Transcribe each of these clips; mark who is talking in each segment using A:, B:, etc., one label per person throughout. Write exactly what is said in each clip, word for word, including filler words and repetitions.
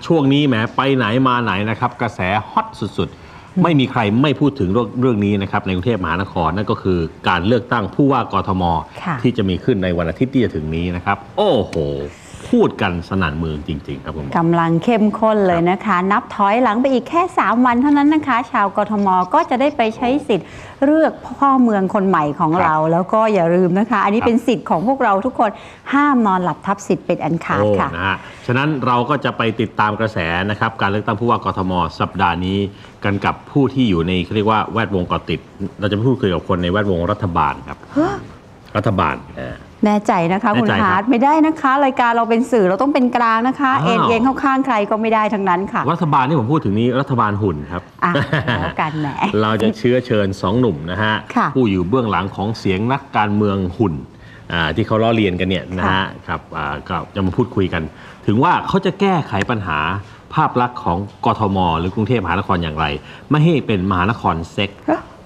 A: ช่วงนี้แหมไปไหนมาไหนนะครับกระแสฮอตสุดๆไม่มีใครไม่พูดถึงเรื่องนี้นะครับในกรุงเทพมหานครนั่นก็คือการเลือกตั้งผู้ว่ากทมที่จะมีขึ้นในวันอาทิตย์ที่จะถึงนี้นะครับโอ้โหพูดกันสนั่นเมืองจริงๆครับผม
B: กำลังเข้มข้นเลยนะคะนับถอยหลังไปอีกแค่สามวันเท่านั้นนะคะชาวกทมก็จะได้ไปใช้สิทธิ์เลือกพ่อเมืองคนใหม่ของเราแล้วก็อย่าลืมนะคะอันนี้เป็นสิทธิ์ของพวกเราทุกคนห้ามนอนหลับทับสิทธิ์เป็นอันขาดค่ะ
A: นะฮะฉะนั้นเราก็จะไปติดตามกระแสนะครับการเลือกตั้งผู้ว่ากทมสัปดาห์นี้กันกับผู้ที่อยู่ในเขาเรียกว่าแวดวงเกาะติดเราจะพูดคุยกับคนในแวดวงรัฐบาลครับรัฐบาล
B: แน่ใจนะคะคุณฮาร์ดไม่ได้นะคะรายการเราเป็นสื่อเราต้องเป็นกลางนะคะเอ็นเอียงเข้าข้างใครก็ไม่ได้ทั้งนั้นค่ะ
A: รัฐบาลที่ผมพูดถึงนี้รัฐบาลหุ่นครับ
B: แล้วกันแหม
A: เราจะเชื้อเชิญสองหนุ่มนะฮะผู้อยู่เบื้องหลังของเสียงนักการเมืองหุ่นที่เขาล้อเลียนกันเนี่ยนะฮะครับก็จะมาพูดคุยกันถึงว่าเขาจะแก้ไขปัญหาภาพลักษณ์ของกทมหรือกรุงเทพมหานครอย่างไรไม่ให้เป็นมหานครเซ็ก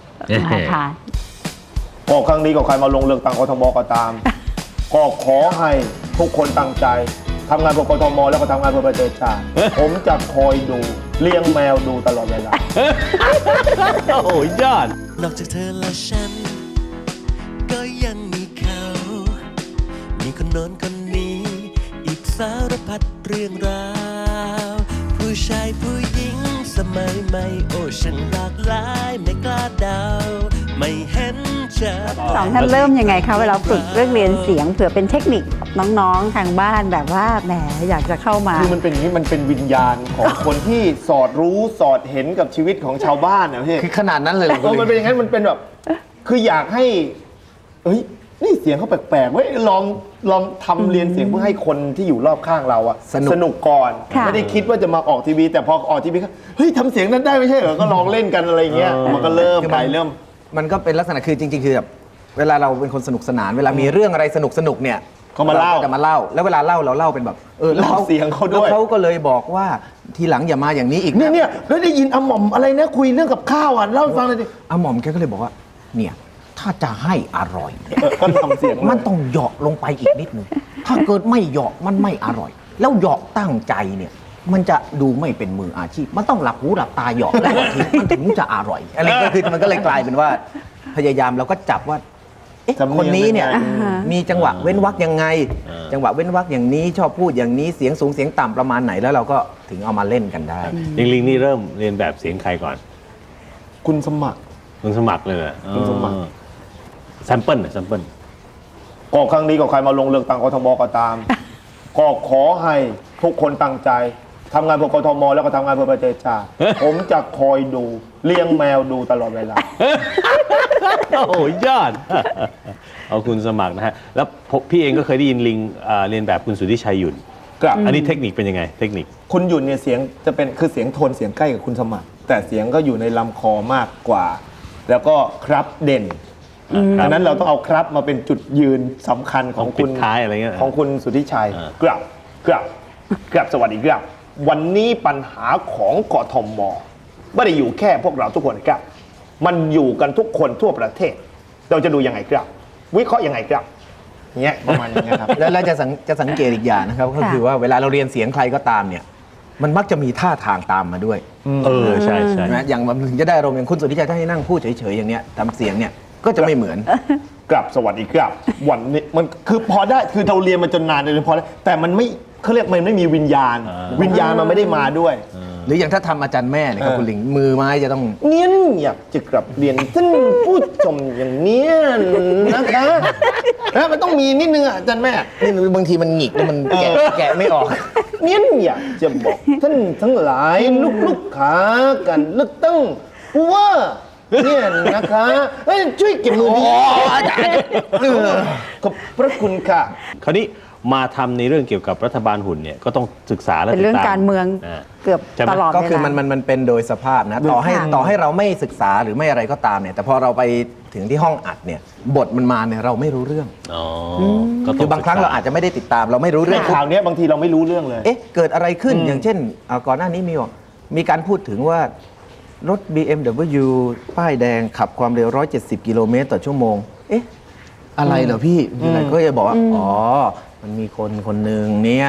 C: ก็ครั้งนี้ก็ใครมาลงเลือกตั้งกทมก็ตามก็ขอให้ทุกคนตั้งใจทำงานเพื่อกทมแล้วก็ทำงานเพื่อประเทศชาติผมจะคอยดูเลี้ยงแมวดูตลอดเวลา
A: โอ้ยยอด
D: นอกจากเธอและฉันก็ยังมีเขามีคนโน้นคนนี้อีกสารพัดเรื่องราวผู้ชายผู้หญิงสมัยใหม่โอ้ฉันหลากหลายไม่กล้าเดาไม่เห็นจะ
B: สองท่านเริ่มยังไงคะเวลาฝึกเรื่องเรียนเสียงเผื่อเป็นเทคนิคน้องๆทางบ้านแบบว่าแหมอยากจะเข้ามา
C: คือมันเป็นอย่างนี้มันเป็นวิญญาณของคนที่สอดรู้สอดเห็นกับชีวิตของชาวบ้านนะพี่
E: คือขนาดนั้นเลย
C: เออมันเป็นอย่างนั้นมันเป็นแบบคืออยากให้เฮ้ยนี่เสียงเขาแปลกๆเว้ยลองลองทำเรียนเสียงเพื่อให้คนที่อยู่รอบข้างเราอะสนุกก่อนไม่ได้คิดว่าจะมาออกทีวีแต่พอออกทีวีก็เฮ้ยทำเสียงนั้นได้ไม่ใช่เหรอก็ลองเล่นกันอะไรเงี้ยมันก็เริ่มไปเริ่ม
E: มันก็เป็นลักษณะคือจริงๆคือแบบเวลาเราเป็นคนสนุกสนานเวลามีเรื่องอะไรสนุกสนุกเนี่ย
C: เขามาเล่า
E: จะมาเล่าแล้วเวลาเล่าเราเล่าเป็นแบบ
C: เออเล่าเสียงเขาด้วย
E: แล้วเขาก็เลยบอกว่าทีหลังอย่ามาอย่างนี้อีก
C: เนี่ยเนี่ยแล้วได้ยินอาหม่อมอะไรนะคุยเรื่องกับข้าวอ่ะเล่าฟังเลยดิ
E: อาหม่อมแกก็เลยบอกว่าเนี่ยถ้าจะให้อร่อย
C: ก็ทำเสียง
E: มันต้องเหยาะลงไปอีกนิดนึงถ้าเกิดไม่เหยาะมันไม่อร่อยแล้วเหยาะตั้งใจเนี่ยมันจะดูไม่เป็นมืออาชีพมันต้องหลับหูหลับตาเหยาะแล้วมันถึงจะอร่อยอะไรก็คือมันก็เลยกลายเป็นว่าพยายามเราก็จับว่าคนนี้เนี่ยมีจังหวะเว้นวรรคยังไงจังหวะเว้นวรรคอย่างนี้ชอบพูดอย่างนี้เสียงสูงเสียงต่ำประมาณไหนแล้วเราก็ถึงเอามาเล่นกันได้
A: ลิงลิงนี่เริ่มเรียนแบบเสียงใครก่อน
C: คุณสมัคร
A: คุณสมัครเลย
C: คุณสมัคร
A: แซมเปิลแซมเปิล
C: ก็ครั้งนี้ก็ใครมาลงเลือกตั้งกทมก็ตามก็ขอให้ทุกคนตั้งใจทำงานเพื่อกทมแล้วก็ทำงานเพื่อประเทศชาติผมจะคอยดูเลี้ยงแมวดูตลอดเวลา
A: โอ้ยยอดเอาคุณสมัครนะฮะแล้วพี่เองก็เคยได้ยินลิงเรียนแบบคุณสุทธิชัยหยุ่นอันนี้เทคนิคเป็นยังไงเทคนิค
C: คุณหยุ่นเนี่ยเสียงจะเป็นคือเสียงโทนเสียงใกล้กับคุณสมัครแต่เสียงก็อยู่ในลำคอมากกว่าแล้วก็ครับเด่นดังนั้นเราต้องเอาครับมาเป็นจุดยืนสำคัญของคุณ
A: ท้ายอะไรเงี้ย
C: ของคุณสุทธิชัยกราบกราบกราบสวัสดีครับวันนี้ปัญหาของกทมไม่ได้อยู่แค่พวกเราทุกคนครับมันอยู่กันทุกคนทั่วประเทศเราจะดูยังไงครับวิเคราะห์ยังไงครับเงี้ยประมาณนี้ครับ
E: แล้วเราจะจะสังเกตอีกอย่างนะครับก็คือว่าเวลาเราเรียนเสียงใครก็ตามเนี่ยมันมักจะมีท่าทางตามมาด้วย
A: เออใช่ใช่
E: อย่างมันถึงจะได้อารมณ์อย่างคุณสุทธิชัยถ้าให้นั่งพูดเฉยๆอย่างเนี้ยทำเสียงเนี่ยก็จะไม่เหมือน
C: กลับสวัสดีครับวันนี้มันคือพอได้คือเราเรียนมาจนนานเลยพอแล้วแต่มันไม่เขาเรียกมันไม่มีวิญญาณวิญญาณมันไม่ได้มาด้วย
E: หรืออย่างถ้าทำอาจารย์แม่เนี่ยครับคุณหลิงมือไม้จะต้อง
C: เนี้ยอยากจะกลับเรียนท่านผู้ชมอย่างเนี้ยนะคะนะมันต้องมีนิดนึงอาจารย์แม่
E: นี่บางทีมันหงิกแล้วมันแกะแกะไม่ออก
C: เนี้ยอยากจะบอกท่านทั้งหลายลูกๆขากันเลือกตั้งว่าเนี่ยนะคะช่วยเก็บมือดีอาจารย์ขอบพระคุณค่ะ
A: คราวนี้มาทำในเรื่องเกี่ยวกับรัฐบาลหุ่นเนี่ยก็ต้องศึกษาและติดตาม
B: เป็นเรื่องการเมืองเกือบตลอด
E: ก็คือมันมันมันเป็นโดยสภาพนะต่อให้ต่อให้เราไม่ศึกษาหรือไม่อะไรก็ตามเนี่ยแต่พอเราไปถึงที่ห้องอัดเนี่ยบทมันมาเนี่ยเราไม่รู้เรื่องคือบางครั้งเราอาจจะไม่ได้ติดตามเราไม่รู้เรื่อง
C: ข่าวนี้บางทีเราไม่รู้เรื่องเลย
E: เอ๊ะเกิดอะไรขึ้นอย่างเช่นก่อนหน้านี้มีมีการพูดถึงว่ารถ บี เอ็ม ดับเบิลยู ป้ายแดงขับความเร็วหนึ่งร้อยเจ็ดสิบกิโลเมตรต่อชั่วโมงเอ๊ะอะไรเหรอพี่ก็จะบอกว่าอ๋อมันมีคนคนหนึ่งเนี่ย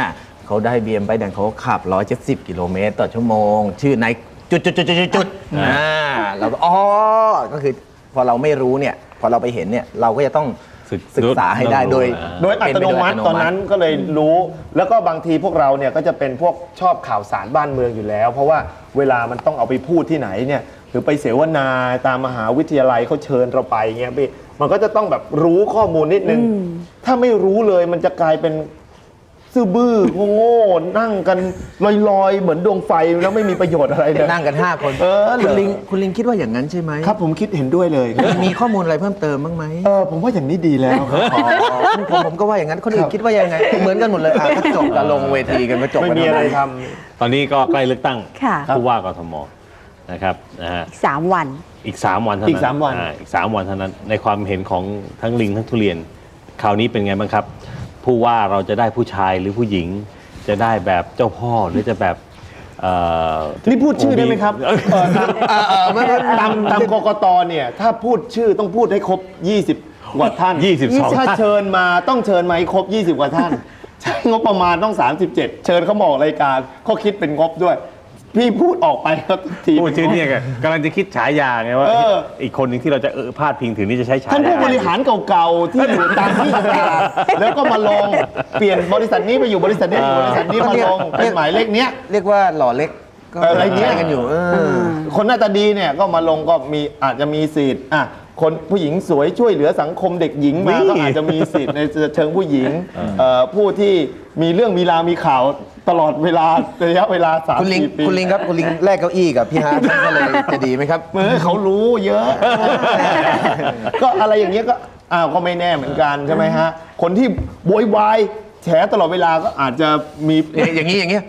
E: เขาได้ บี เอ็ม ไปแดงเขาขับหนึ่งร้อยเจ็ดสิบกิโลเมตรต่อชั่วโมง ชื่อไนจุดจุดจุดจุดจุดอ่าเราก็อ๋อก็คือพอเราไม่รู้เนี่ยพอเราไปเห็นเนี่ยเราก็จะต้องศึกษาให้ได้โดย
C: โดยอัตโนมัติตอนนั้นก็เลยรู้ แล้วก็บางทีพวกเราเนี่ยก็จะเป็นพวกชอบข่าวสารบ้านเมืองอยู่แล้ว เพราะว่าเวลามันต้องเอาไปพูดที่ไหนเนี่ยหรือไปเสวนาตามมหาวิทยาลัยเขาเชิญเราไปเงี้ยพี่มันก็จะต้องแบบรู้ข้อมูลนิดนึง ถ้าไม่รู้เลยมันจะกลายเป็นซื่อบื้อโง่ๆนั่งกันลอยๆ เหมือนดวงไฟแล้วไม่มีประโยชน์อะไรเลย
E: นั่งกันห้าคน
C: เออ
E: คุณลิงคุณลิงคิดว่าอย่างนั้นใช่ไหม
C: ครับผมคิดเห็นด้วยเลย
E: มีข้อมูลอะไรเพิ่มเติมบ้างไหม
C: เออผมว่าอย่างนี้ดีแล้วครับ
E: อ๋อผมผมก็ว่าอย่างนั้นคนอื่นคิดว่ายังไงเหมือนกันหมดเลยอ่ะก็จบกันลงเวทีกันก็จบ
C: ไม่
E: กัน
C: มีอะไรท
A: ตอนนี้ก็ใกล้เลือกตั้ง
B: ค่ะ
A: ผู้ว่ากทมนะครับนะฮะ
B: อีกสามวัน
A: อีก 3 วันเท่านั้น
C: อีกสามวัน
A: อ่อีก 3 วันเท่านั้น ในความเห็นของทั้งลิงทั้งทุเรียน คราวนี้เป็นไงบ้างครับ ผู้ว่าเราจะได้ผู้ชายหรือผู้หญิง จะได้แบบเจ้าพ่อหรือจะแบบเอ่อ
C: นี่พูดชื่อได้ไหมครับ
A: เออ
C: เออตามเออเออไม่ไม่ตามตามกกตเนี่ยถ้าพูดชื่อต้องพูดให้ครบ ยี่สิบ กว่าท่าน
A: ยี่สิบสอง
C: ถ้าเชิญมาต้องเชิญมาให้ครบ ยี่สิบ กว่าท่าน ใช้งบประมาณต้อง สามสิบเจ็ด เชิญเขามาออกรายการเขาคิดเป็นงบด้วย พี่พูดออกไปก็ที
A: พูดชื่อเนี่ยไงกำลังจะคิดฉายาไงว่า
C: เออ
A: อีกคนหนึ่งที่เราจะเออพาดพิงถึงนี่จะใช้ฉายา
C: ท่านผู้บริหารเก่าๆ ที่อยู่ตามที่ต่างๆแล้วก็มาลงเปลี่ยนบริษัทนี้ไปอยู่บริษัทนี้อยู่บริษัทนี้มาลงเป็นหมายเลขเนี้ย
E: เรียกว่าหล่อเล็กก็
C: อะไรเงี้ย
E: ใช้กันอยู่เออ
C: คนหน้าตาดีเนี่ยก็มาลงก็มีอาจจะมีสิทธิ์อ่ะคนผู้หญิงสวยช่วยเหลือสังคมเด็กหญิงมาก็อาจจะมีสิทธิ์ในเชิงผู้หญิงเอ่อผู้ที่มีเรื่องมีราวมีข่าวตลอดเวลาระยะเวลาสาม
E: คุณลิง
C: สี่ปี
E: คุณลิงครับคุณลิงแลกเก้าอี้กับพี่ฮาร์ดก็เลยจะดีไหมครับ
C: เมื่อเขารู้เยอะ ก็อะไรอย่างเงี้ยก็อ้าวก็ไม่แน่เหมือนกันใช่ไหมฮะคนที่โวยวายแฉตลอดเวลาก็อาจจะมี
E: อย่างนี้อย่างนี้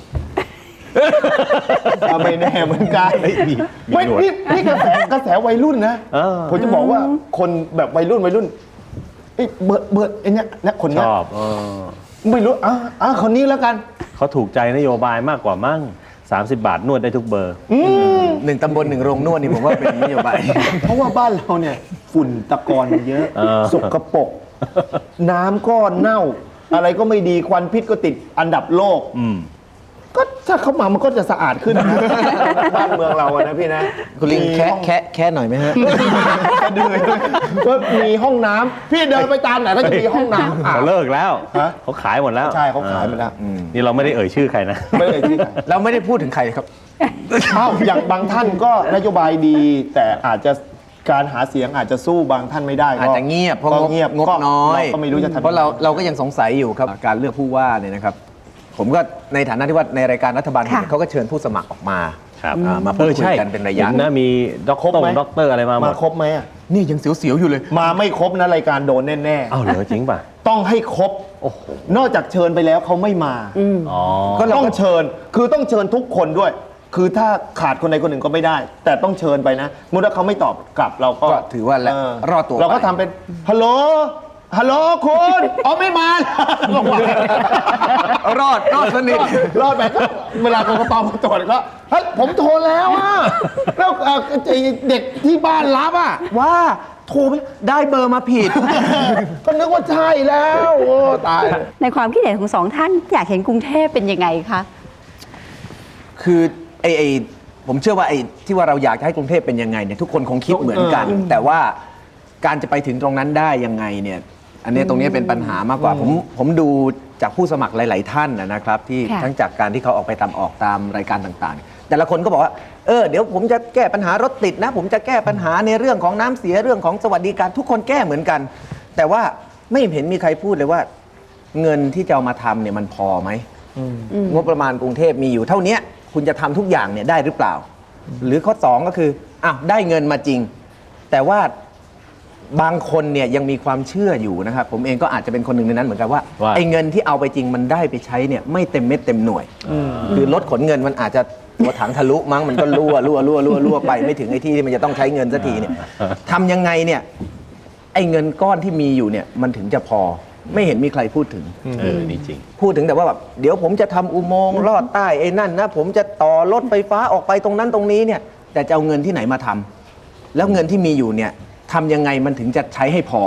C: อ่ะไม่แน่เหมือนกัน
A: เฮ้ยมีมี
C: ไม่
A: หนวด
C: นี่นี่กระแสกระแสวัยรุ่นนะ
A: เออ
C: ผมจะบอกว่าคนแบบวัยรุ่นวัยรุ่นไอ้เบิร์ดเบิร์ดไอ้เนี้ยเนี่ยคน
A: ช
C: เนี้ย
A: อบเออ
C: ไม่รู้อ่ะอ่ะคนนี้แล้วกัน
A: เขาถูกใจนโยบายมากกว่ามั่งสามสิบบาทนวดได้ทุกเบอร์
C: อืม
E: หนึ่งตำบลหนึ่งโรงนวดนี่ผมว่าเป็นนโยบาย
C: เพราะว่าบ้านเราเนี่ยฝุ่นตะกอนมันเยอะ
A: เออ
C: สกปรกน้ำก็เน่า อะไรก็ไม่ดีควันพิษก็ติดอันดับโลก
A: อืม
C: ก็ถ้าเข้ามามันก็จะสะอาดขึ้นนะ บ้านเมืองเราอะนะพี่นะ
E: คุณลิง
C: มี
E: แค่
C: ห้อง
E: แค่แค่หน่อยไหมฮะ
C: กระเดือยด้วยก็มีห้องน้ำพี่เดินไปตามไหนก็จะมีห้องน้ำอาบ
A: เขาเลิกแล้ว
C: ฮะ
A: เขาขายหมดแล้ว
C: ใช่เขาขายหมดแล้ว
A: อืมนี่เราไม่ได้เอ่ยชื่อใครนะ
C: ไม่เลยที่ไหน
E: เราไม่ได้พูดถึงใครครับ
C: เอ้าอย่างบางท่านก็นโยบายดี แต่อาจจะการหาเสียงอาจจะสู้บางท่านไม่ได้ก็
E: อาจจะเงียบเพราะ
C: ก็
E: งบ
C: เงียบ
E: งบ
C: ก็
E: น้อย
C: เราก็ไม่รู้จะทำ
E: เพราะเราเราก็ยังสงสัยอยู่ครับการเลือกผู้ว่าเนี่ยนะครับ ผมก็ในฐานะที่ว่าในรายการรัฐบาล
B: ค่ะ
E: เขาก็เชิญผู้สมัครออกมา
A: ครับ
E: อ่ามาพูดคุยกันเป็นระยะ
A: ห็นะมีด็อก
C: ครบ
A: เตอร์
C: ไหม
A: ด็อกเตอร์อะไรมาหม
C: มา
A: ด
C: ครบไหมอะ
E: นี่ยังเสียวๆอยู่เลย
C: มาไม่ครบนะรายการโดนแน่
A: อ้าวเหรอจริงป่ะ
C: ๆต้องให้ครบ
A: โอ้โห
C: นอกจากเชิญไปแล้วเขาไม่มา
A: อ๋อ
C: ก็ต้องเชิญ คือต้องเชิญทุกคนด้วย คือถ้าขาดคนใดคนหนึ่งก็ไม่ได้ แต่ต้องเชิญไปนะเมื่อเขาไม่ตอบกลับเราก็
E: ก็ถือว่าแล้ว
C: เ
E: รอดตัว
C: เราก็
E: ไป
C: ทำเป็นฮัลโหลฮัลโหลคุณอ๋อไม่มา
E: รอดรอดสนิท
C: รอดไปก็เวลากกตมาตรวจก็เฮ้ยผมโทรแล้วอะแล้วเอ่อไอ้เด็กที่บ้านรับอะว่าโทรไปได้เบอร์มาผิด ก็นึกว่าใช่แล้วโอ้ตาย
B: ในความคิดเห็นของสองท่านอยากเห็นกรุงเทพเป็นยังไงคะ
E: คือไอ้ไอ้ผมเชื่อว่าไอ้ที่ว่าเราอยากจะให้กรุงเทพเป็นยังไงเนี่ยทุกคนคงคิดเหมือนกัน
C: เออ
E: แต่ว่าการจะไปถึงตรงนั้นได้ยังไงเนี่ยอันนี้ตรงนี้เป็นปัญหามากกว่าผมผมดูจากผู้สมัครหลาย ๆ ท่านนะครับ ที่
B: ค่ะ
E: ทั้งจากการที่เขาออกไปตามออกตามรายการต่างๆ แต่ละคนก็บอกว่าเออเดี๋ยวผมจะแก้ปัญหารถติดนะ ผมจะแก้ปัญหาในเรื่องของน้ำเสียเรื่องของสวัสดิการทุกคนแก้เหมือนกัน แต่ว่าไม่เห็นมีใครพูดเลยว่า เงินที่จะเอามาทำเนี่ยมันพอไหม งบประมาณกรุงเทพมีอยู่เท่านี้คุณจะทำทุกอย่างเนี่ยได้หรือเปล่า หรือข้อสองก็คืออ้าวได้เงินมาจริง แต่ว่าบางคนเนี่ยยังมีความเชื่ออยู่นะครับ ผมเองก็อาจจะเป็นคนหนึ่งในนั้นเหมือนกันว่า
A: ว่า
E: ไอ้เงินที่เอาไปจริงมันได้ไปใช้เนี่ยไม่เต็มเม็ดเต็มหน่วยคือรถขนเงินมันอาจจะตัวถังทะลุมั้งมันก็รั่วรั่วรั่วรั่วรั่วไปไม่ถึงไอ้ที่ที่มันจะต้องใช้เงินสักทีเนี่ยทำยังไงเนี่ยไอ้เงินก้อนที่มีอยู่เนี่ยมันถึงจะพอไม่เห็นมีใครพูดถึง
A: เออนี่จริง
E: พูดถึงแต่ว่าแบบเดี๋ยวผมจะทำอุโมงค์ลอดใต้ไอ้นั่นนะผมจะต่อรถไฟฟ้าออกไปตรงนั้นตรงนี้เนี่ยแต่จะเอาเงินที่ไหนมาทำแล้วเงินที่มีอยู่เนี่ยทำยังไงมันถึงจะใช้ให้พอ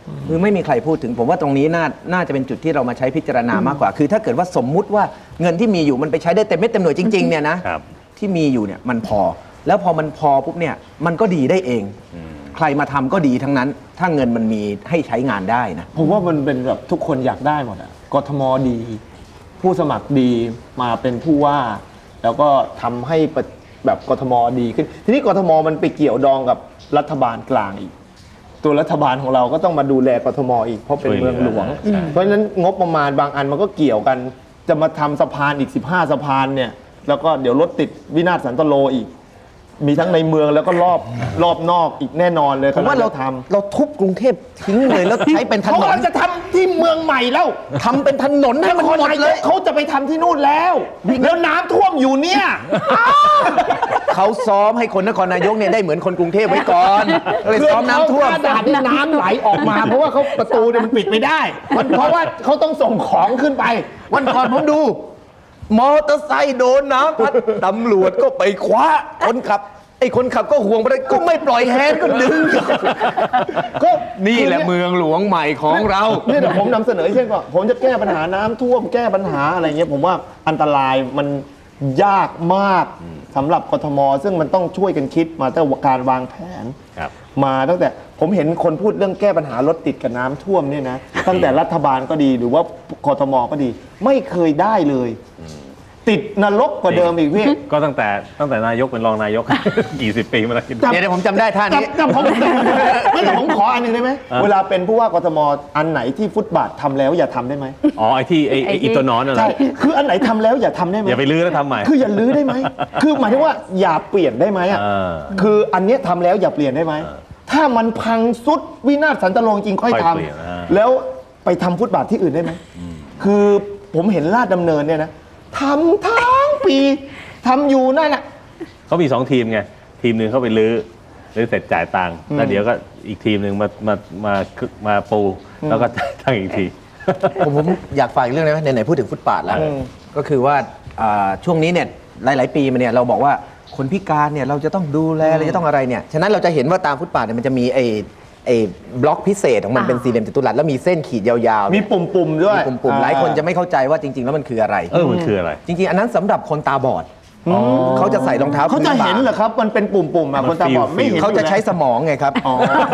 E: คือไม่มีใครพูดถึงผมว่าตรงนี้น่าน่าจะเป็นจุดที่เรามาใช้พิจารณามากกว่า คือถ้าเกิดว่าสมมุติว่าเงินที่มีอยู่มันไปใช้ได้เต็มเม็ดเต็มหน่วยจริงๆเนี่ยนะครับ ที่มีอยู่เนี่ยมันพอ แล้วพอมันพอปุ๊บเนี่ยมันก็ดีได้เอง ใครมาทำก็ดีทั้งนั้น ถ้าเงินมันมีให้ใช้งานได้นะ
C: ผมว่ามันเป็นแบบทุกคนอยากได้หมดอะกทมดี ผู้สมัครดีมาเป็นผู้ว่า แล้วก็ทำให้ประแบบกทมดีขึ้น ทีนี้กทมมันไปเกี่ยวดองกับรัฐบาลกลางอีก ตัวรัฐบาลของเราก็ต้องมาดูแลกทมอีกเพราะเป็นเมืองหลวง
A: ใช่
C: เพราะฉะนั้นงบประมาณบางอันมันก็เกี่ยวกัน จะมาทำสะพานอีกสิบห้าสะพานเนี่ยแล้วก็เดี๋ยวรถติดวินาศสันตโลอีก มีทั้งในเมืองแล้วก็รอบรอบนอกอีกแน่นอนเลย
E: ผมว่าเรา
C: กำลังจะทำ
E: เราทุบกรุงเทพทิ้งเลยแล้วใช้เป็นถ
C: เขา
E: นน
C: กำลังจะทำที่เมืองใหม่แล้ว
E: ทำเป็นถนนให้มันหมดเลย
C: เขาจะไปทำที่นู่นแล้ว แล้วน้ำท่วมอยู่เนี่ย
E: เขาซ้อมให้คนนครนายกเนี่ยได้เหมือนคนกรุงเทพไว้ก่อนก็เลยซ้อมน้ำท่วม
C: กระดาษนี่น้ำไหลออกมา เพราะว่าเขาประตูเนี่ยมันปิดไม่ได้มันเพราะว่าเขาต้องส่งของขึ้นไป
E: วันก่อนผมดู มอเตอร์ไซค์โดนน้ำพัดตำรวจก็ไปคว้าคนขับไอ้คนขับก็ห่วงไปเลยก็ไม่ปล่อยแฮนด์ก็ดึง
C: ก็
E: นี่แหละเมืองหลวงใหม่ของเรา
C: เนี่ยเดี๋ยวผมนำเสนอเช่นว่าผมจะแก้ปัญหาน้ำท่วมแก้ปัญหาอะไรเงี้ยผมว่าอันตรายมันยากมากสำหรับกทม ซึ่งมันต้องช่วยกันคิดมาตั้งแต่การวางแผน
A: ครับ
C: มาตั้งแต่ผมเห็นคนพูดเรื่องแก้ปัญหารถติดกับน้ำท่วมเนี่ยนะตั้งแต่รัฐบาลก็ดีหรือว่ากทมก็ดี ไม่เคยได้เลย ติดนรกกว่าเดิมอีกพี่
A: ก็ตั้งแต่ตั้งแต่นายกเป็นรองนายก กี่สิบปีมาแล้วคิดดู
C: จับ
E: เดี๋ยวผมจำได้ท่านี้
C: แต่ผมไม่แต่ผมขออันหนึ่งได้ไหม
A: อ่ะ
C: เวลาเป็นผู้ว่ากทมอันไหนที่ฟุตบาททำแล้วอย่าทำได้ไหม
A: อ๋อไอ้ที่ไอ้ไอ้
B: ไอ้ที่
A: อีตัวหนอนน่ะเหร
C: ใช่
A: อ
C: คืออันไหนทำแล้วอย่าทำได้ไหม
A: อย่าไปลื้อแล้วทำใหม่
C: คืออย่าลื้อได้ไหมคือหมายถึงว่าอย่าเปลี่ยนได้ไหมอ่ะ
A: เออ
C: คืออันเนี้ยทำแล้วอย่าเปลี่ยนได้ไหม
A: เออ
C: ถ้ามันพังสุดวินาศสันตโลจริงค่อย
A: ค่อย
C: ท
A: เปลี่ยนอ่า
C: ำแล้วไปทำฟุตบาทที่อื่นได้ไหมคือผมเห็นลาดดำเนินเนี่ยนะทำทั้งปีทำอยู่นั่นแหละ
A: เขามีสองทีมไง ทีมหนึ่งเข้าไปลื้อลื้อเสร็จจ่ายตังค์แล้วเดี๋ยวก็อีกทีมหนึ่งมามามามาปูแล้วก็จ่ายตังค์อีกที
E: ผมผมอยากฝากอีกเรื่องนึงไหมไหนๆพูดถึงฟุตบาทแล้ว
C: อืม
E: ก็คือว่าอ่าช่วงนี้เนี่ยหลาย ๆ ปีมาเนี่ยเราบอกว่าคนพิการเนี่ยเราจะต้องดูแลเราจะต้องอะไรเนี่ยฉะนั้นเราจะเห็นว่าตามฟุตบาทเนี่ยมันจะมีไอ้ไอ้บล็อกพิเศษของมัน
B: อ่า
E: เป็นสี่เหลี่ยมจัตุรัสแล้วมีเส้นขีดยาวๆ
C: มี
E: เนี่ย
C: ปุ่มๆด้วย
E: มีปุ่มๆหลายคนจะไม่เข้าใจว่าจริง ๆ แล้วมันคืออะไร
A: เออมันคืออะไร
E: จริง ๆ อันนั้นสำหรับคนตาบอดเขาจะใส่รองเท้า
C: เขาจะเห็นเหรอครับ มันเป็นปุ่มๆอ่ะ
A: มัน
C: คนตาบอด
A: ฟีล
C: ไม่เห็น
E: เขาจะใช้สมองไงครับ
C: อ๋อ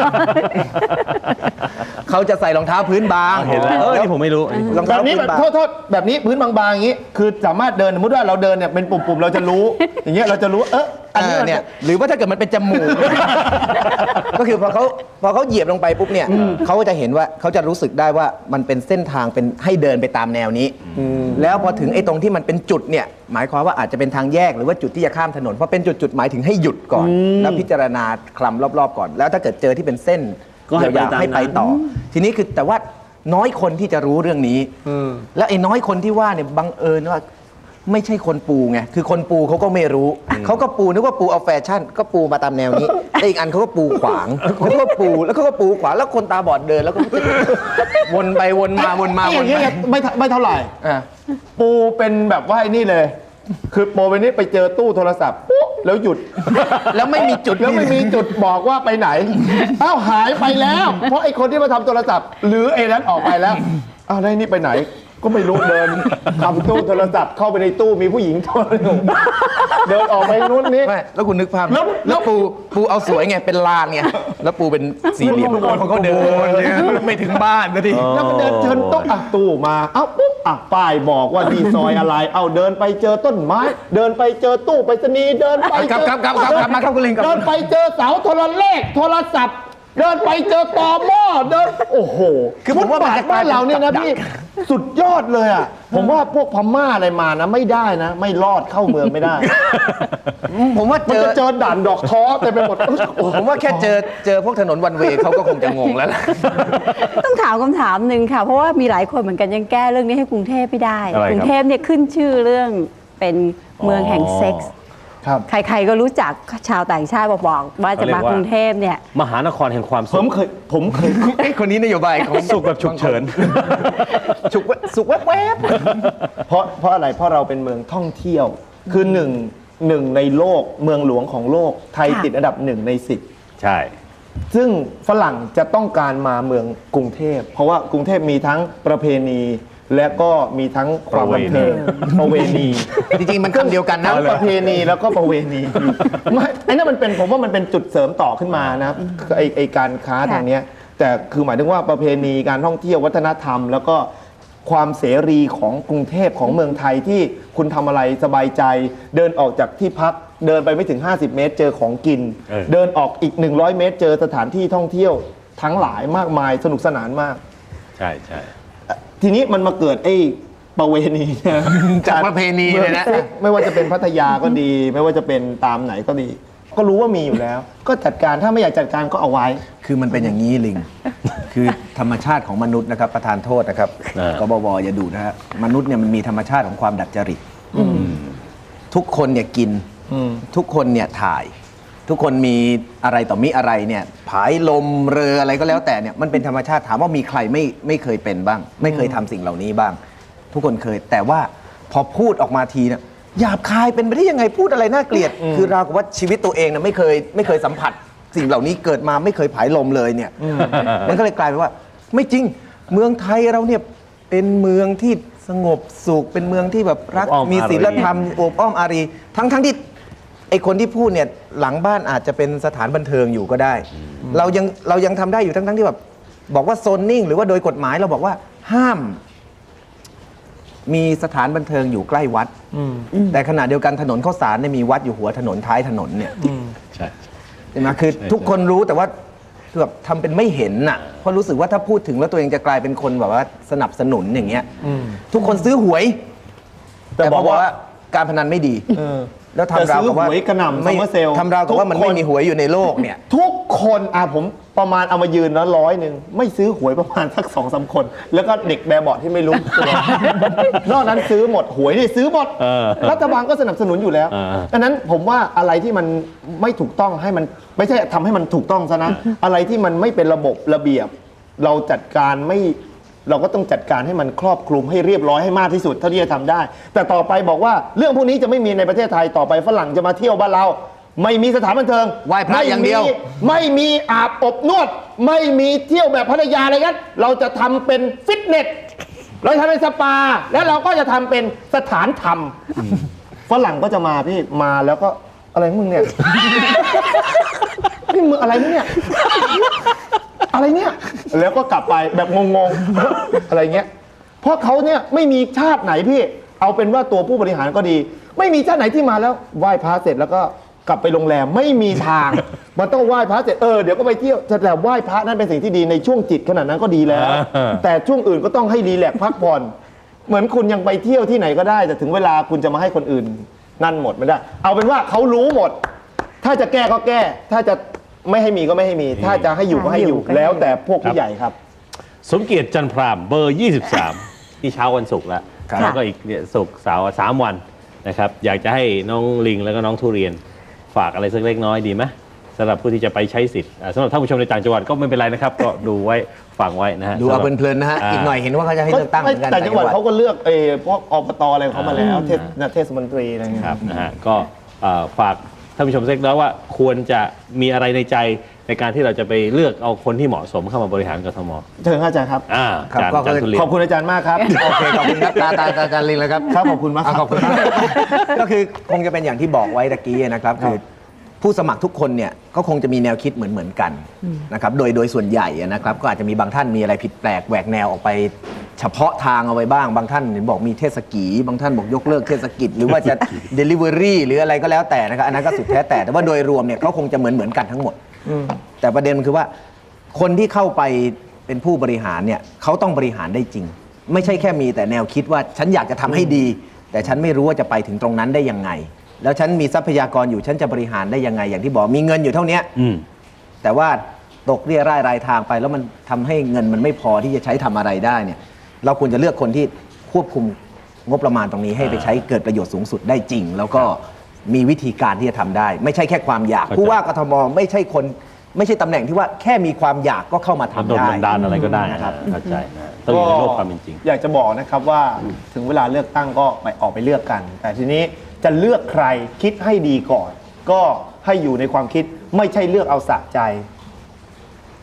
E: เขาจะใส่รองเท้าพื้นบาง
A: เห็นแล้วเออนี่ผมไม่รู้อันนี้ผม
E: รอง
C: แบ
E: เท้า
C: บนี้
E: พื้
C: แบบ
E: นบาง
C: โทษโทษแบบนี้พื้นบางๆอย่างนี้ คือสามารถเดินสมมติว่าเราเดินเนี่ยเป็นปุ่มๆเราจะรู้ อย่างเงี้ยเราจะรู้เอออันนี้
E: เออ
C: มัน
E: เนี่ยหรือว่าถ้าเกิดมันเป็นจมูก ก็คือพอเขาพอเขาเหยียบลงไปปุ๊บเนี่ยเขาก็จะเห็นว่าเขาจะรู้สึกได้ว่ามันเป็นเส้นทางเป็นให้เดินไปตามแนวนี้ แล้วพอถึงไอ้ตรงที่มันเป็นจุดเนี่ยหมายความว่าอาจจะเป็นทางแยกหรือว่าจุดที่จะข้ามถนนพอเป็นจุดจุดๆหมายถึงให้หยุดก่อน แล้วพิจารณาคลำรอบๆก่อน แล้วถ้าเกิดเจอที่เป็นเส้น
C: ก็ให้ไป
E: ยาว
C: ตาม
E: ๆให้ไป
C: นั้น
E: ต่อ ทีนี้คือแต่ว่าน้อยคนที่จะรู้เรื่องนี้ แล้วไอ้น้อยคนที่ว่าเนี่ยบังเอิญว่าไม่ใช่คนปูไง คือคนปูเขาก็ไม่รู้ เขาก็ปูนึกว่าปูเอาแฟชั่น ก็ปูมาตามแนวนี้แต่อีกอันเขาก็ปูขวางเขาก็ปูแล้วเขาก็ปูขวางแล้วคนตาบอดเดินแล้วก็ วนไปวนมาวนมา
C: ไอ้
E: ว
C: อน ย่างเงี้ย
E: มา
C: ไม่เท่าไม่เท่าไหร่
E: อ่ะ
C: ปูเป็นแบบว่าไอ้นี่เลย คือปูเป็นนี่ไปเจอตู้โทรศัพท์ปุ๊บแล้วหยุด
E: แล้วไม่มีจุด
C: แล้วไม่มีจุดบอกว่าไปไหน เอ้าหายไปแล้ว เพราะไอ้คนที่มาทำโทรศัพท์ หรือไอ้นั้นออกไปแล้วอ้าวแล้วไอ้นี่ไปไหน ก็ไม่รู้เดินทำตู้โทรศัพท์เข้าไปในตู้มีผู้หญิงโทรอยู่เดินออกไปนู้นนี้
E: ไม่แล้วคุณนึกภาพ
C: แล้ว
E: แล้วปูปูเอาสวยไงเป็นลานไงแล้วปูเป็นสี่เหลี่ยมเขาก็เดินเนี่ยไม่ถึงบ้านนะที
C: แล้วก็เดินเชิญตู้อ่ะตู้มา เอ้าปุ๊บอ่ะป้ายบอกว่าที่ซอยอะไร เอ้าเดินไปเจอต้นไม้ เดินไปเจอตู้ไปรษณีย์เดินไป
E: ครับครับครับครับครับมาครับคุณลิงครับ
C: เดินไปเจอเสาโทรเลขโทรศัพท์ เดินไปเจอตอหม้อเดินโอ้โห
E: คือผมว่ามันจะกลา
C: บ้าย น
E: เป็น
C: เราเนี่ยนะ
E: กับดัก
C: พี่สุดยอดเลยอ่ะ ผมว่าพวกพม่าอะไรมานะไม่ได้นะ ไม่รอดเข้าเมืองไม่ได้
E: ผมว่า
C: มัน
E: เจอ
C: จะเจอด่านดอกท้อเต็มไปหมด
E: ผมว่าแค่เจอเจอพวกถนนวันเวย์เขาก็คงจะงงแล้วล่ะ
B: ต้องถามคำถามหนึ่งค่ะ เพราะว่ามีหลายคนเหมือนกันยังแก้เรื่องนี้ให้กรุงเทพไม่ได้
A: อะไรครับ
B: กรุงเทพเนี่ยขึ้นชื่อเรื่องเป็นเมืองแห่งเซ็กส์
C: ครับ
B: ใครๆก็รู้จักชาวต่างชาติบอกบอกว่าจะมากรุงเทพเนี่ย
A: มหานครแห่งความ
C: ผ
A: สุ
C: ม
A: ข
C: เคยผมเคย
E: ไอ้คนนี้นโยบายของ
A: สุขแบบฉุกเฉิน
E: ฉุกแวสุกแวบ
C: เพราะเพราะอะไรเพราะเราเป็นเมืองท่องเที่ยว คือหนึ่งหนึ่งในโลกเมืองหลวงของโลก ไทย
B: ค่ะ
C: ติดอันดับหนึ่งในสิบ
A: ใช่
C: เซึ่งฝรั่งจะต้องการมาเมืองกรุงเทพเพราะว่ากรุงเทพมีทั้งประเพณีและก็มีทั้งความบันเทิงประเวณี
E: จริงๆมันคำเดียวกันนะ
C: ทั้งประเพณีแล้วก็ประเวณีไม่ไอ้นั่นมันเป็นผมว่ามันเป็นจุดเสริมต่อขึ้นมานะครับไอ้ไอ้การค้าทางเนี้ยแต่คือหมายถึงว่าประเพณีการท่องเที่ยววัฒนธรรม แล้วก็ความเสรีของกรุงเทพของเมืองไทยที่คุณทำอะไรสบายใจ เดินออกจากที่พักเดินไปไม่ถึงห้าสิบเมตรเจอของกิน
A: เออ
C: เดินออกอีกหนึ่งร้อยเมตรเจอสถานที่ท่องเที่ยวทั้งหลายมากมายสนุกสนานมาก
A: ใช่ใช่
C: ทีนี้มันมาเกิดไอ้ประเวณีเนี่ย
E: จากประเพณีเลยนะ
C: ไม่ว่าจะเป็นพัทยาก็ดี ไม่ว่าจะเป็นตามไหนก็ดี ก็รู้ว่ามีอยู่แล้ว ก็จัดการถ้าไม่อยากจัดการก็เอาไว้
E: คือมันเป็นอย่างนี้ลิง คือธรรมชาติของมนุษย์นะครับ ประธานโทษนะครับ
A: เออ
E: กบวอย่าดูนะฮะมนุษย์เนี่ยมันมีธรรมชาติของความดัดจริตทุกคนเนี่ยกิน
C: อืม
E: ทุกคนเนี่ยถ่าย ทุกคนมีอะไรต่อมีอะไรเนี่ยผายลมเรืออะไรก็แล้วแต่เนี่ยมันเป็นธรรมชาติถามว่ามีใครไม่ไม่เคยเป็นบ้าง ไม่เคยทำสิ่งเหล่านี้บ้าง ทุกคนเคย แต่ว่าพอพูดออกมาทีเนี่ยหยาบคายเป็นไปได้ยังไงพูดอะไรน่าเกลียด คือเรากับว่าชีวิตตัวเองเนี่ยไม่เคยไม่เคยสัมผัส สิ่งเหล่านี้เกิดมาไม่เคยผายลมเลยเนี่ยมันก็เลยกลายเป็นว่า ไม่จริงเมืองไทยเราเนี่ยเป็นเมืองที่สงบสุขเป็นเมืองที่แบบรัก
A: อบอ้อม
E: มี
A: อารี
E: ศีลธรรมโอบอ้อมอารี ทั้งทั้งที่ไอคนที่พูดเนี่ยหลังบ้านอาจจะเป็นสถานบันเทิงอยู่ก็ได้ เรายังเรายังทำได้อยู่ทั้งทั้งที่แบบบอกว่าโซนนิ่งหรือว่าโดยกฎหมายเราบอกว่าห้าม มีสถานบันเทิงอยู่ใกล้วัด แต่ขณะเดียวกันถนนข้าวสารเนี่ยมีวัดอยู่หัวถนนท้ายถนนเนี่ย
A: ใช่
E: ใช่ไหมคือ
A: ใช่
E: ทุกคนรู้แต่ว่าคือแบบทำเป็นไม่เห็นน่ะเพราะรู้สึกว่าถ้าพูดถึงแล้วตัวเองจะกลายเป็นคนแบบว่าสนับสนุนอย่างเงี้ยทุกคนซื้อหวย
C: แต่บอกว่า
E: การพนันไม่ดี
C: เออ
E: แล้วทำราวกับว่า
C: แต่ซื้อหวยกระหน่ำ
E: ไม่
C: ซัมเมอร์เซลล์
E: ทำราวกับว่ามัน
C: ทุกคน
E: ไม่มีหวยอยู่ในโลกเนี่ย
C: ทุกคนอ่ะผมประมาณเอามายืนแล้วร้อยหนึ่งไม่ซื้อหวยประมาณสักสองสามคน แล้วก็เด็กแบบเบาะที่ไม่รู้ตัวนอกนั้นซื้อหมดหวยนี่ซื้อหมด
A: เออ
C: รัฐบาลก็สนับสนุนอยู่แล้ว
A: เออ
C: ดังนั้นผมว่าอะไรที่มันไม่ถูกต้องให้มันไม่ใช่ทำให้มันถูกต้องซะนะ อะไรที่มันไม่เป็นระบบระเบียบ เราจัดการไม่เราก็ต้องจัดการให้มันครอบคลุมให้เรียบร้อยให้มากที่สุดเท่าที่จะทำได้ แต่ต่อไปบอกว่าเรื่องพวกนี้จะไม่มีในประเทศไทยต่อไปฝรั่งจะมาเที่ยวบ้านเรา ไม่มีสถานบันเทิง
E: ไหว้พระอย่างเดียว
C: ไม่มีไม่มีอาบอบนวด ไม่มีเที่ยวแบบพัทยาอะไรกันเราจะทำเป็นฟิตเนสเราจะทำเป็นสปา แล้วเราก็จะทำเป็นสถานธรรมฝรั่งก็จะมาพี่มาแล้วก็อะไรของมึงเนี่ย นี่มึงอะไรมึงเนี่ย อะไรเนี่ย แล้วก็กลับไปแบบงงๆ อะไรเงี้ย เพราะเขาเนี่ยไม่มีชาติไหนพี่ เอาเป็นว่าตัวผู้บริหารก็ดี ไม่มีชาติไหนที่มาแล้วไหว้พระเสร็จแล้วก็กลับไปโรงแรมไม่มีทาง มันต้องไหว้พระเสร็จเออเดี๋ยวก็ไปเที่ยวแต่ไหว้พระนั่นเป็นสิ่งที่ดีในช่วงจิตขนาดนั้นก็ดีแล้ว แต่ช่วงอื่นก็ต้องให้รีแลกซ์พักผ่อน เหมือนคุณยังไปเที่ยวที่ไหนก็ได้ แต่ถึงเวลาคุณจะมาให้คนอื่น นั่นหมดไม่ได้ เอาเป็นว่าเขารู้หมด ถ้าจะแก้ก็แก้ ถ้าจะไม่ให้มีก็ไม่ให้มี ถ้าจะให้อยู่ก็ให้อยู่
B: ให้อยู่ก็ให้อยู่
C: แล้วแต่พวกผู้ใหญ่ครับ
A: สมเกียรติจันทร์พรามเบอร์ ยี่สิบสาม ที่เช้าวันศุกร์แล้ว
E: ครับ
A: แล้วก็อีกเนี่ยศุกร์เสาร์สามวันนะครับ อยากจะให้น้องลิงแล้วก็น้องทุเรียนฝากอะไรสักเล็กน้อยดีไหมสำหรับผู้ที่จะไปใช้สิทธิ์อ่าสำหรับท่านผู้ชมในต่างจังหวัดก็ไม่เป็นไรนะครับ ก็ดูไว้ฟังไว้นะฮะ
E: ดูเอา
A: สำหรับ
E: เพลินๆนะฮะอีกหน่อยเห็นว่าเขาจะให้เลือกตั้งเหมือนกัน
C: แต่จังหวัดเขาก็เลือกเออพวกอบตอะไรของเขามาแล้วเทศเทศมนตรีอะไรเงี้ย
A: ครับนะฮะก็เอ่อฝากท่านผู้ชมสักเล็กน้อยว่าควรจะมีอะไรในใจในการที่เราจะไปเลือกเอาคนที่เหมาะสมเข้ามาบริหารกทม
C: เชิญครับอาจารย์ครับ
A: อ่า
E: ครับ
A: อาจารย์
E: ก็
A: อาจารย์ทุเรียน
C: ขอบคุณอาจารย์มากครับ
E: โอเคขอบคุณครับตาตาตาจารย์ลิงแล้วครับ
C: ครับขอบคุณมากครับ
E: ขอบคุณมากก็คือคงจะเป็นอย่างที่บอกไว้ตะกี้นะครับคือผู้สมัครทุกคนเนี่ยก็คงจะมีแนวคิดเหมือนเหมือนกันนะครับโดยโดยส่วนใหญ่นะครับก็อาจจะมีบางท่านมีอะไรผิดแปลกแหวกแนวออกไปเฉพาะทางเอาไว้บ้างบางท่านเห็นบอกมีเทศกีบางท่านบอกยกเลิกเทศกิจ หรือว่าจะ Delivery หรืออะไรก็แล้วแต่นะครับอันนั้นก็สุดแท้แต่แต่ว่าโดยรวมเนี่ยเขาคงจะเหมือนเหมือนกันทั้งหมดแต่ประเด็นมันคือว่าคนที่เข้าไปเป็นผู้บริหารเนี่ยเขาต้องบริหารได้จริง ไม่ใช่แค่มีแต่แนวคิดว่าฉันอยากจะทำให้ดี แต่ฉันไม่รู้ว่าจะไปถึงตรงนั้นได้ยังไง แล้วฉันมีทรัพยากรอยู่ฉันจะบริหารได้ยังไงอย่างที่บอกมีเงินอยู่เท่านี้
A: อืม
E: แต่ว่าตกเรี่ยร่ายรายทางไป แล้วมันทำให้เงินมันไม่พอที่จะใช้ทำอะไรได้เนี่ยเราควรจะเลือกคนที่ควบคุมงบประมาณตรงนี้ให้ไปใช้เกิดประโยชน์สูงสุดได้จริง แล้วก็มีวิธีการที่จะทำได้ ไม่ใช่แค่ความอยาก
A: เข้าใจ
E: ผู้ว่ากทมไม่ใช่คนไม่ใช่ตำแหน่งที่ว่าแค่มีความอยากก็เข้ามาทำ
A: มันโดน
E: ได้
A: บันดาลอะไรก็ได้
E: นะ
A: นะ
E: ค
A: ค
E: รั
A: รับ บเข้าใจนะต้องอยู่ในโลกความเป็นจริง
C: อยากจะบอกนะครับว่าถึงเวลาเลือกตั้งก็ไปออกไปเลือกกัน แต่ทีนี้จะเลือกใครคิดให้ดีก่อน ก็ให้อยู่ในความคิดไม่ใช่เลือกเอาสะใจ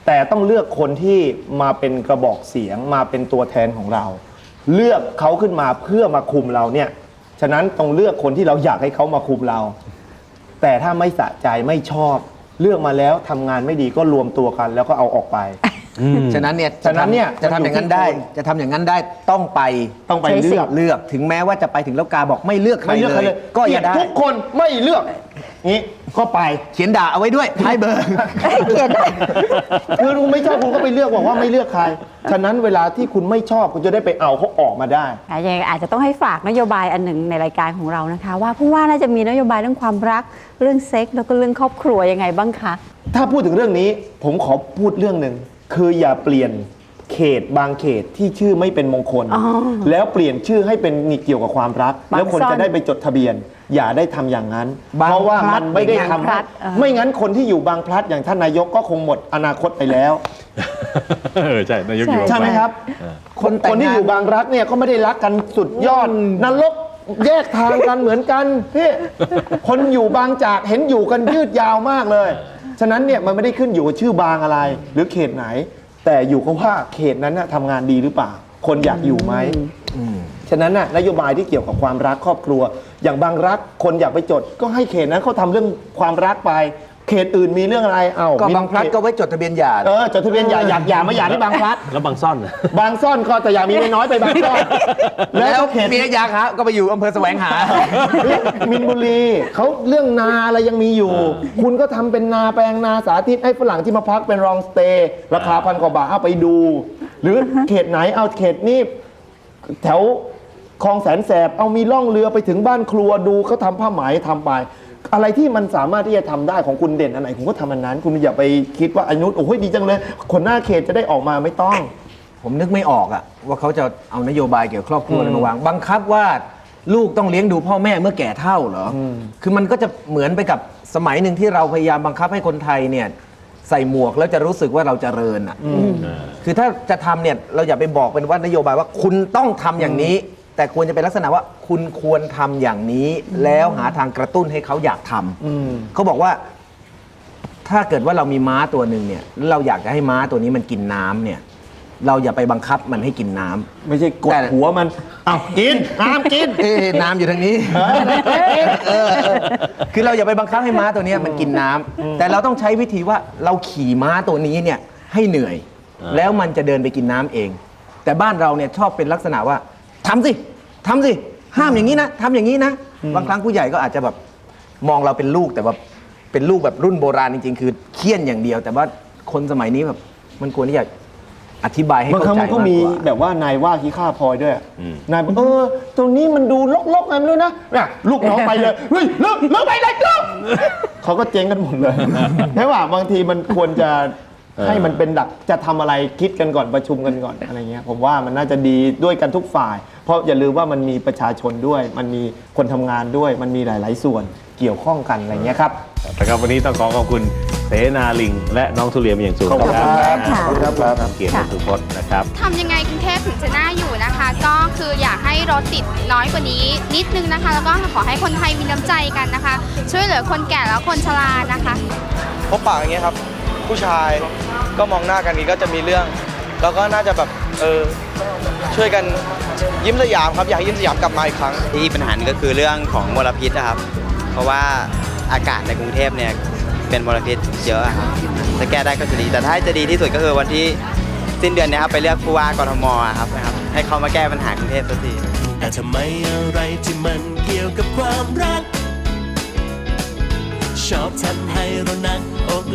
C: แต่ต้องเลือกคนที่มาเป็นกระบอกเสียงมาเป็นตัวแทนของเรา เลือกเขาขึ้นมาเพื่อมาคุมเราเนี่ยฉะนั้นต้องเลือกคนที่เราอยากให้เขามาคุมเรา แต่ถ้าไม่สะใจไม่ชอบ เลือกมาแล้วทำงานไม่ดีก็รวมตัวกันแล้วก็เอาออกไป
E: ฉะนั้นเนี่ย
C: ฉะนั้นเนี่ย
E: จะทำอย่างนั้นได้
C: มันอยู่ที่คน
E: จะทำอย่างนั้นได้ต้องไป
C: ต้องไป
B: ใช้สิ
C: เลื
B: ท
C: อก
B: ธิ์
E: เลือกถึงแม้ว่าจะไปถึงแล้วกาบอกไม่เลือกใคร
C: ไม่เลือกใคร
E: เล
C: เลย ย
E: ก็อย่าได้
C: เกลีดทุกคนไม่เลือกงี้ก็ไป
E: เขียนด่าเอาไว้ด้วยท้ายเบอร์
B: เขียนได้
C: คือคุณไม่ชอบคุณก็ไปเลือกบอกว่าไม่เลือกใคร ฉะนั้นเวลาที่คุณไม่ชอบคุณจะได้ไปเอาเขาออกมาได้
B: อ่ะยังไงอาจจะต้องให้ฝากนโยบายอันหนึ่งในรายการของเรานะคะ ว่าผู้ว่าน่าจะมีนโยบายเรื่องความรักเรื่องเซ็กส์แล้วก็เรื่องครอบครัวยังไงบ้างคะ
C: ถ้าพูดถึงเรื่องนี้ผมขอพูดเรื่องหนึ่งคืออย่าเปลี่ยนเขตบางเขตที่ชื่อไม่เป็นมงคล
B: อ๋อ
C: แล้วเปลี่ยนชื่อให้เป็นเกี่ยวกับความรัก
B: บาง
C: แล้วคน
B: ซ่อน
C: จะได้ไปจดทะเบียน อย่าได้ทำอย่างนั้น
E: บาง
C: เพราะว่า
E: พลั
C: มั
E: ด
C: นไม่ได้
B: บาง
C: ทำ
B: พลั
C: ให้
B: ดเออ
C: ไม่งั้นคนที่อยู่บางพลัดอย่างท่านนายกก็คงหมดอนาคตไปแล้ว
A: เออใช่นายกอยู่
C: ใช่ไหมครับ
E: คนแต่ง
C: คนที่
E: งาน
C: อยู่บางรักเนี่ยก็ไม่ได้รักกันสุดยอดนรกแยกทางกันเหมือนกันพี่คนอยู่บางจากเห็นอยู่กันยืดยาวมากเลย ฉะนั้นเนี่ยมันไม่ได้ขึ้นอยู่กับชื่อบางอะไร หรือเขตไหน แต่อยู่กับว่าเขตนั้นน่ะทำงานดีหรือเปล่า คนอยากอยู่ไหมฉะนั้นน่ะนโยบายที่เกี่ยวกับความรักครอบครัว อย่างบางรักคนอยากไปจด ก็ให้เขตนั้นเขาทำเรื่องความรักไป เขตอื่นมีเรื่องอะไรเอา
E: ก็
C: มี
E: บางพลัดก็ไว้จดทะเบียนหย่า
C: เออจดทะเบียนหย่าอยากหย่าไม่หย่าที่บางพลัด
A: แล้วบางซ่อน
C: บางซ่อนก็แต่อยากมีไม่น้อยไปบางซ่อน
E: แล้ว
C: เขต
E: เมียยาคะก็ไปอยู่อำเภอแสวงหา
C: มินบุรีเขาเรื่องนาอะไรยังมีอยู่ คุณก็ทำเป็นนาแปลงนาสาธิตให้ฝรั่งที่มาพักเป็นรองสเตย์ราคาพันกว่าบาทเอาไปดู หรือเขตไหนเอาเขตนี้แถวคลองแสนแสบเอามีล่องเรือไปถึงบ้านครัวดูเขาทำผ้าไหมทำไป อะไรที่มันสามารถที่จะทำได้ของคุณเด่นอันไหนคุณก็ทำอันนั้น คุณอย่าไปคิดว่าอนุโอ้ยดีจังเลยคนหน้าเขตจะได้ออกมาไม่ต้อง
E: ผมนึกไม่ออกอะว่าเขาจะเอานโยบายเกี่ยวกับครอบครัวอะไรมาวางบังคับว่าลูกต้องเลี้ยงดูพ่อแม่เมื่อแก่เฒ่าเหรออคือมันก็จะเหมือนไปกับสมัยหนึ่งที่เราพยายามบังคับให้คนไทยเนี่ยใส่หมวกแล้วจะรู้สึกว่าเราเจริญอะคือถ้าจะทำเนี่ยเราอย่าไปบอกเป็นว่านโยบายว่าคุณต้องทำอย่างนี้ แต่ควรจะเป็นลักษณะว่าคุณควรทำอย่างนี้ แล้วหาทางกระตุ้นให้เขาอยากทำเขาบอกว่า ถ้าเกิดว่าเรามีม้าตัวหนึ่งเนี่ยแล้วเราอยากจะให้ม้าตัวนี้มันกินน้ำเนี่ย เราอย่าไปบังคับมันให้กินน้ำ
C: ไม่ใช่กดหัวมันเอากินห้ามกิน
E: เอ๊ะน้ำอยู่ทางนี้เออเออคือเราอย่าไปบังคับให้ม้าตัวเนี้ยมันกินน้ำแต่เราต้องใช้วิธีว่าเราขี่ม้าตัวนี้เนี่ยให้เหนื่อย แล้วมันจะเดินไปกินน้ำเอง แต่บ้านเราเนี่ยชอบเป็นลักษณะว่าทำสิทำสิห้ามอย่างนี้นะทำอย่างนี้นะบางครั้งผู้ใหญ่ก็อาจจะแบบมองเราเป็นลูกแต่ว่าเป็นลูกแบบรุ่นโบราณจริงๆ คือเคี่ยนอย่างเดียว แต่ว่าคนสมัยนี้แบบมันควรที่จะอธิบายให้
C: บาง
E: เข้า
C: ครั้ง
E: ใจ
C: มันก็
E: มาก
C: มี
E: กว่า
C: แบบว่านายว่าขี้ข้าพลอยด้วยนายบอกเออตรงนี้มันดูลกๆไงไม่รู้นะเนี่ยลูกน้องไปเลยเฮ้ยเลิกเลิกไปเลยเลิกเขาก็เจ๊งกันหมดเลยใช่ป่ะบางทีมันควรจะให้มันเป็นดักจะทำอะไรคิดกันก่อนประชุมกันก่อนอะไรเงี้ยผมว่ามันน่าจะดีด้วยกันทุกฝ่าย เพราะอย่าลืมว่ามันมีประชาชนด้วย มันมีคนทำงานด้วย มันมีหลาย ๆ ส่วนเกี่ยวข้องกันอะไรเงี้ยครับ
A: นะครับวันนี้ต้องขอขอบคุณเสนาลิง และน้องทุเรียนเป็นอย่างสูง
C: ขอบคุณครับ
B: ค่ะ
C: ขอบคุณครับครับ
A: เกียรติสุพจน์นะครับ
F: ทำยังไงกรุงเทพถึงจะน่าอยู่นะคะ ก็คืออยากให้รถติดน้อยกว่านี้นิดนึงนะคะ แล้วก็ขอให้คนไทยมีน้ำใจกันนะคะ ช่วยเหลือคนแก่แล้วคนชรานะคะ
G: พบปะอย่างเงี้ยครับ ผู้ชายก็มองหน้ากันนี้ก็จะมีเรื่อง แล้วก็น่าจะแบบเออช่วยกันยิ้มสยามครับอยากให้ยิ้มสยามกลับมาอีกครั้ง
H: ที่ปัญหาหนึ่งก็คือเรื่องของมลพิษนะครับ เพราะว่าอากาศในกรุงเทพเนี่ยเป็นมลพิษเยอะครับถ้าแก้ได้ก็จะดี แต่ถ้าจะดีที่สุดก็คือวันที่สิ้นเดือนเนี้ครับไปเลือกผู้ว่ากทมครับนะครับให้เขามาแก้ปัญหากรุงเทพสักที
D: แต่ทำไมอะไรที่มันเกี่ยวกับความรัก ชอบทำให้เราหนักอก